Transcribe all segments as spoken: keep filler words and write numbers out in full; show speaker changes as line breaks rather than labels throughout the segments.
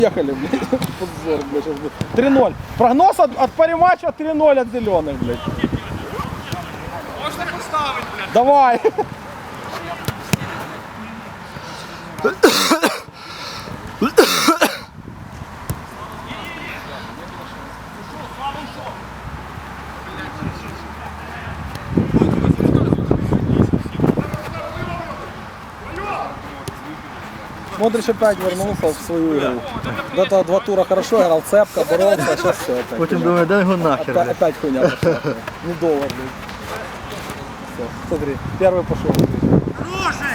Ехали, блядь. Подзор, блядь, сейчас будет. три ноль. Прогноз от, от париматча три ноль от зеленых, блядь.
Можно поставить, блядь.
Давай. Модрич опять вернулся в свою игру. До этого два тура хорошо играл, цепка, боролся, а сейчас все опять.
Потім думаю, дай його нахер.
Опять, опять хуйня пошла. Недолго, блядь. Все, смотри, первый пошел.
Хороший!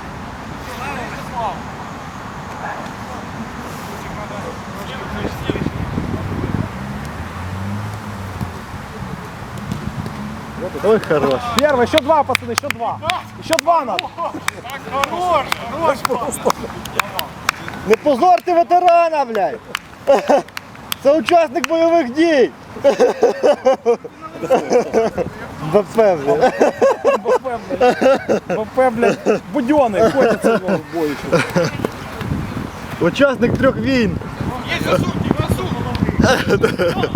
Ой, хорош.
Первый, еще два, пацаны, еще два. Еще два надо.
Хорош! Хорош просто!
Не позорте ветерана, блядь. Це учасник бойових дій. БП, блядь.
БП, блядь. БП, блядь, буденный, ходится в бою.
Учасник трьох війн.
Есть засуньте, засунь!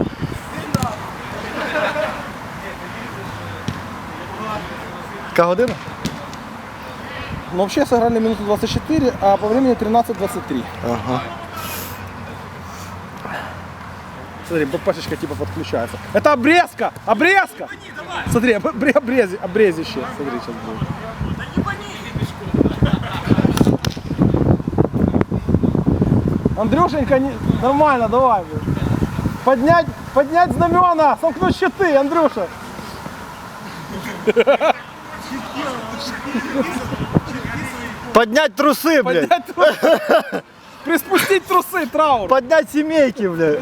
Яка година?
Ну, вообще сыграли минуту двадцать четыре, а по времени тринадцать двадцать три.
Ага.
Смотри, БПшечка типа подключается. Это обрезка! Обрезка! Смотри, обре- обрези, обрезище. Смотри, сейчас будет.
Да не гони!
Андрюшенька, не... нормально, давай. Блин. Поднять, поднять знамена, сомкнуть щиты, Андрюша.
Поднять труси, блядь.
Поднять трусы. Приспустить трусы, траур.
Поднять сімейки, блядь.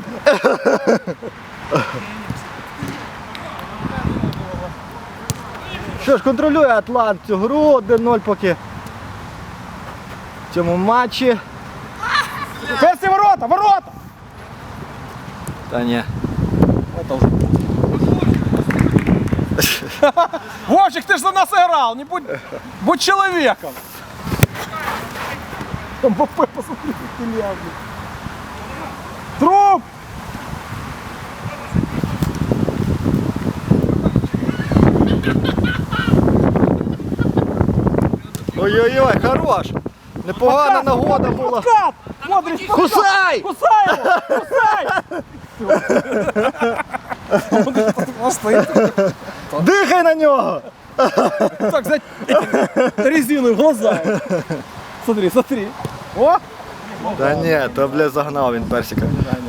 Що ж, контролює Атлант цю гру, один ноль поки в цьому матчі.
Перси, ворота, ворота!
Та ні.
Это уже. Вовчик, ты же за нас играл, не будь, будь человеком. Там БП, посмотри, как ты ляжешь. Труп!
Ой-ой-ой, хорош. Непогана нагода була.
Подкат! Модрич, подкат!
Кусай!
Кусай его! Кусай!
Дихай на нього!
Так, взять резину в глаза. Смотри, смотри. О!
Та ні, то, бля, загнав він персика.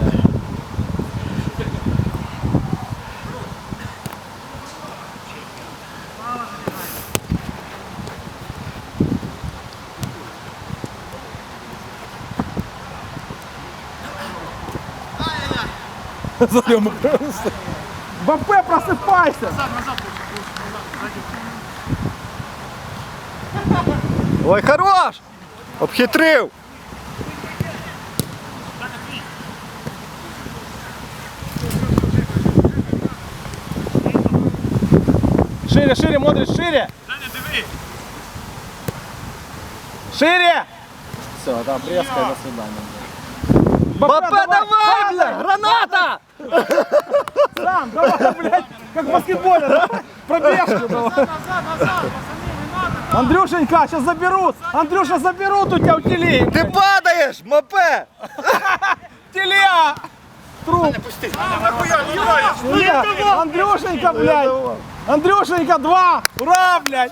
Зарем. БП, просыпайся!
Ой, хорош! Обхитрив!
Шире, шире, Модрич, шире!
Даня, диви!
Шире! Все, да, обрезка и до свидания.
БП, давай, бля! Граната!
Сам, давай, блядь, как в баскетболе, давай, пробежку давай.
Назад, назад, пацаны, не надо!
Андрюшенька, сейчас заберут, Андрюша, заберут у тебя у телеги.
Ти падаєш, мопе!
Телега! Труп.
А, нахуя, не нравится!
Нет, Андрюшенька, блядь. Андрюшенька, два. Ура, блядь.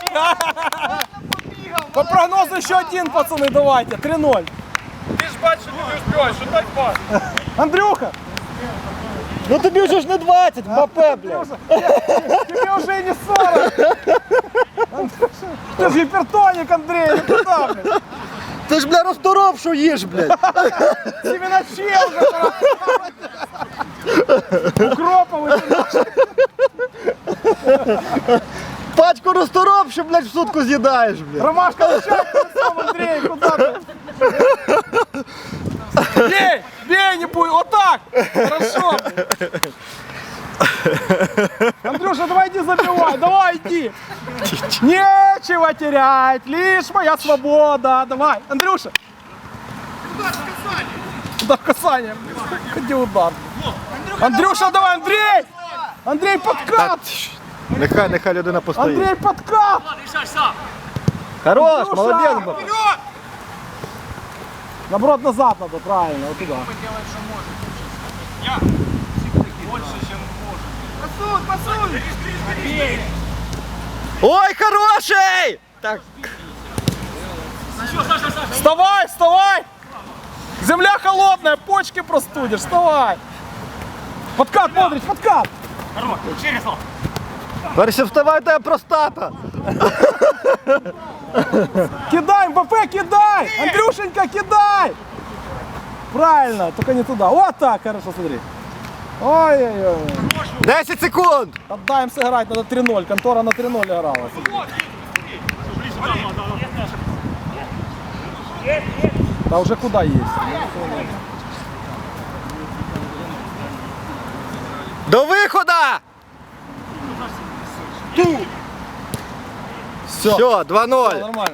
По прогнозу еще один, пацаны, давайте, три ноль.
Ти ж бачиш, що ти не успіваєш, що дай пас!
Андрюха,
Ну тобі вже ж не двадцять, мопе, бля!
Андрюша, тебе уже и не сорок. Андрюша, ты же гипертоник, Андрей, ну куда, блядь?
Ти ж, бля, розторопшу їж, блядь!
Семена че уже пора. Укроповый.
Пачку розторопшу, блядь, в сутку з'їдаєш, блядь!
Ромашка, ну сейчас сам, Андрей, куда ты? Бей, бей, не будет, вот так. Хорошо. Андрюша, давай иди забивай, давай иди. Нечего терять, лишь моя свобода. Давай, Андрюша. Да, касание. Ходи удар. Андрюша, давай, Андрей! Андрей, подкат!
Нехай, нехай людина постоїть.
Андрей, подкат!
Хорош,
Андрюша!
молодець, Мбаппе.
Наоборот, назад надо, правильно, вот туда.
Ой, хороший! Так,
Вставай, вставай! Земля холодная, почки простудишь, вставай! Подкат, Модрич, подкат!
перше вставай, тебе простата.
Кидай, МБП, кидай! Андрюшенька, кидай! Правильно, только не туда. Вот так, хорошо, смотри. Ой-ой-ой.
десять секунд.
Отдаем сыграть, надо три ноль. Контора на три ноль играла. Да уже куда есть?
До виходу! Все, два ноль.
Нормально.